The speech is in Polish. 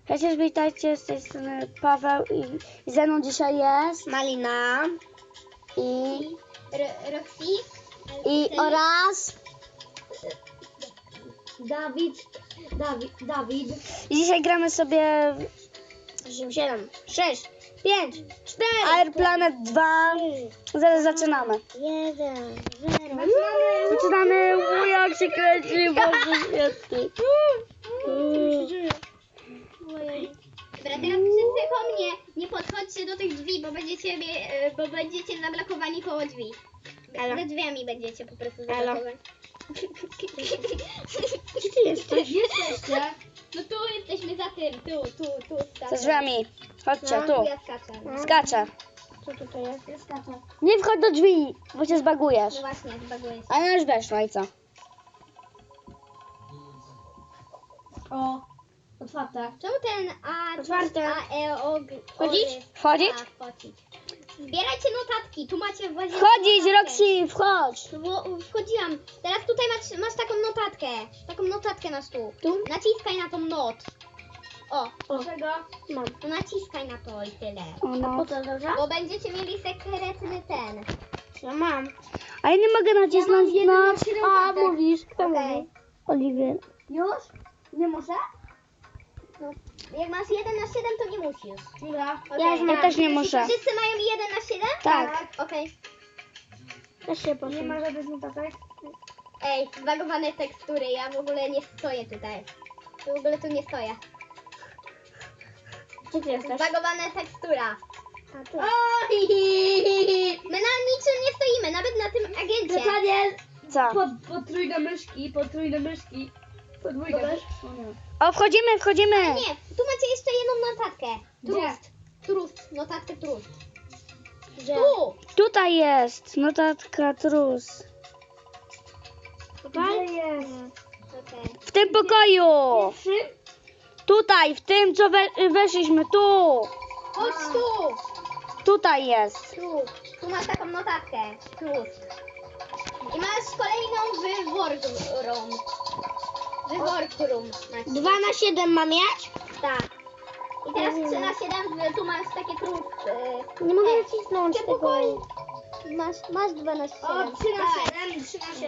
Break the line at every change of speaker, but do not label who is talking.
Przecież witajcie, z tej strony Paweł i ze mną dzisiaj jest
Malina
i
Roxy
oraz
Dawid.
i dzisiaj gramy sobie
8, 7, 6, 5, 4,
Air Planet 2. Zaraz zaczynamy.
1, 0.
Zaczynamy, jak się kręci, Boże świetny.
Dobra, teraz wszyscy po mnie nie podchodźcie do tych drzwi, bo będziecie zablokowani koło drzwi. Za drzwiami będziecie po prostu zablokowani. Gdzie ty jesteś? Jesteście? No tu jesteśmy za tym, tu.
Za drzwiami. Chodźcie,
No,
tu.
ja skaczę. No.
Skaczę.
Co tutaj jest? Ja skaczę.
Nie wchodź do drzwi, bo się zbagujesz.
No właśnie, zbaguję się.
A ja już weszła i co?
O, otwarte.
Czemu ten A...
Otwarte.
Wchodzić? Wchodzić?
Tak, wchodzić. Zbierajcie notatki, tu macie właśnie...
Wchodzić,
notatkę.
Roxy, wchodź.
No bo wchodziłam. Teraz tutaj masz taką notatkę. Taką notatkę na stół.
Tu?
Naciskaj na tą not. O,
Czego? Mam.
no naciskaj na to i tyle.
O, no.
Po co, dobrze?
Bo będziecie mieli sekretny ten.
Ja mam.
A ja nie mogę nacisnąć na...
A, mówisz. Kto
Okej.
mówi?
Oliwier.
Już? Nie muszę?
No, jak masz 1 na 7, to nie musisz.
Dobra.
Okej.
Ja też nie muszę.
Wszyscy mają 1 na 7?
Tak.
Okej.
Też się poszło. Nie ma żadnych notatek?
Ej, zbagowane tekstury, ja w ogóle nie stoję tutaj. W ogóle tu nie stoję.
Gdzie ty jesteś?
Zbagowana tekstura.
A, tu.
My na niczym nie stoimy, nawet na tym agencie.
Daniel,
Co?
potrójne myszki, podwójne myszki.
O, wchodzimy.
Nie, tu macie jeszcze jedną notatkę.
Gdzie?
Trust, notatkę trust.
Gdzie?
Tu!
Tutaj jest notatka trus.
Tutaj jest.
Okej.
W tym pokoju.
Pierwszy?
Tutaj, w tym, co weszliśmy. Tu.
Chodź tu!
Tutaj jest.
Tu masz taką notatkę. Trust. I masz kolejną wyworkroom. Wyworkroom.
2 na 7 mam mieć?
Tak. I teraz 3 na 7, tu masz takie trust.
Nie mogę
Ej,
nacisnąć
w tym
tego.
pokoju. Masz 2 na 7.
O, 3 na 7, 3 na 7.